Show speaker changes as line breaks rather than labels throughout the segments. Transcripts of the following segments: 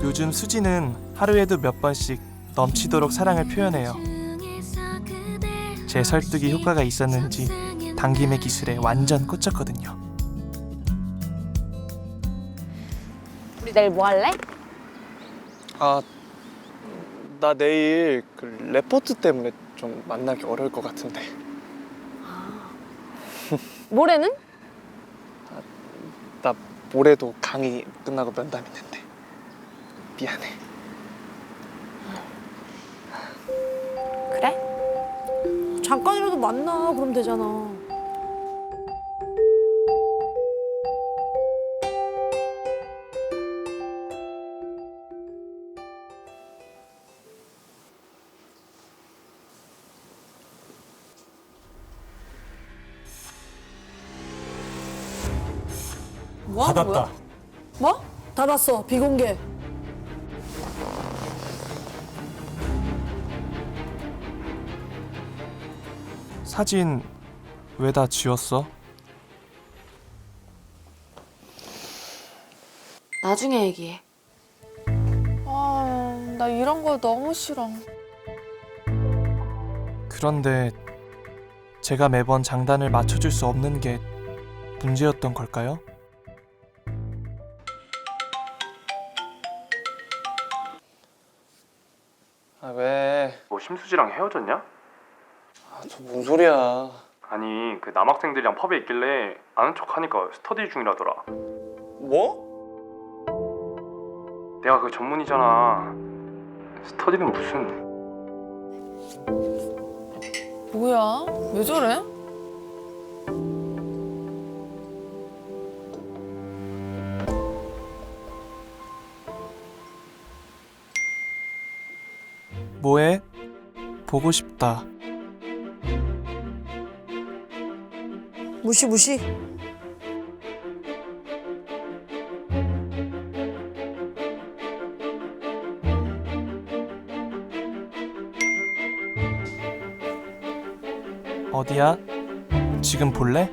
요즘 수지는 하루에도 몇 번씩 넘치도록 사랑을 표현해요. 제 설득이 효과가 있었는지 당김의 기술에 완전 꽂혔거든요.
우리 내일 뭐 할래?
아, 나 내일 그 레포트 때문에 좀 만나기 어려울 것 같은데.
모레는?
나 모레도 강의 끝나고 면담 있는데. 미안해.
그래?
잠깐이라도 만나 그럼 되잖아. 뭐 하는 거야?
받았다.
뭐? 닫았어. 비공개.
사진 왜 다 지웠어?
나중에 얘기해.
아, 나 이런 거 너무 싫어.
그런데 제가 매번 장단을 맞춰줄 수 없는 게 문제였던 걸까요?
아, 왜?
뭐 심수지랑 헤어졌냐?
아, 저 뭔 소리야.
아니 그 남학생들이랑 펍에 있길래 아는 척하니까 스터디 중이라더라.
뭐?
내가 그 전문이잖아. 스터디는 무슨.
뭐야? 왜 저래?
뭐해? 보고 싶다.
무시 무시.
어디야? 지금 볼래?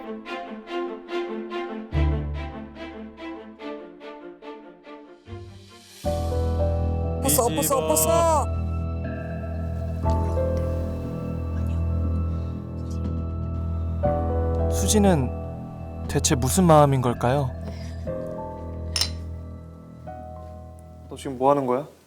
엎었어 엎었어 엎었어.
수지는 대체 무슨 마음인 걸까요?
너 지금 뭐 하는 거야?